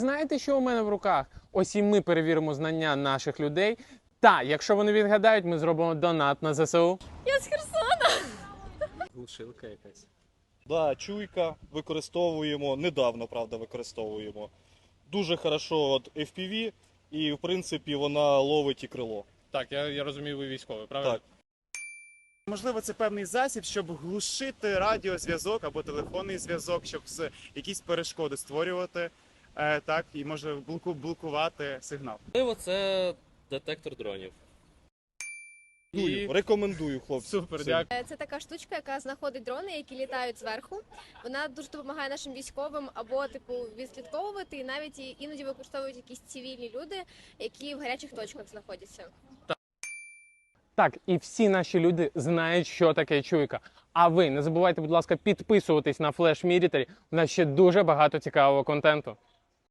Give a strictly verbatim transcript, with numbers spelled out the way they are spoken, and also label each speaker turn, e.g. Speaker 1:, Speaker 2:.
Speaker 1: Знаєте, що у мене в руках? Ось і ми перевіримо знання наших людей. Та, якщо вони відгадають, ми зробимо донат на ЗСУ.
Speaker 2: Я з Херсона.
Speaker 1: Глушилка якась.
Speaker 3: Да, чуйка використовуємо, недавно, правда, використовуємо. Дуже хорошо от еф пі ві, і, в принципі, вона ловить і крило.
Speaker 1: Так, я, я розумію, ви військовий, правильно?
Speaker 3: Так.
Speaker 4: Можливо, це певний засіб, щоб глушити радіозв'язок або телефонний зв'язок, щоб з- якісь перешкоди створювати, е, так, і може блоку- блокувати сигнал.
Speaker 5: Можливо, це детектор дронів.
Speaker 1: І...
Speaker 3: Рекомендую, хлопці.
Speaker 1: Супер,
Speaker 3: Сильно.
Speaker 1: дякую.
Speaker 2: Це така штучка, яка знаходить дрони, які літають зверху. Вона дуже допомагає нашим військовим або типу відслідковувати, і навіть і- іноді використовують якісь цивільні люди, які в гарячих точках знаходяться.
Speaker 1: Так, і всі наші люди знають, що таке чуйка. А ви не забувайте, будь ласка, підписуватись на Flash Military. У нас ще дуже багато цікавого контенту.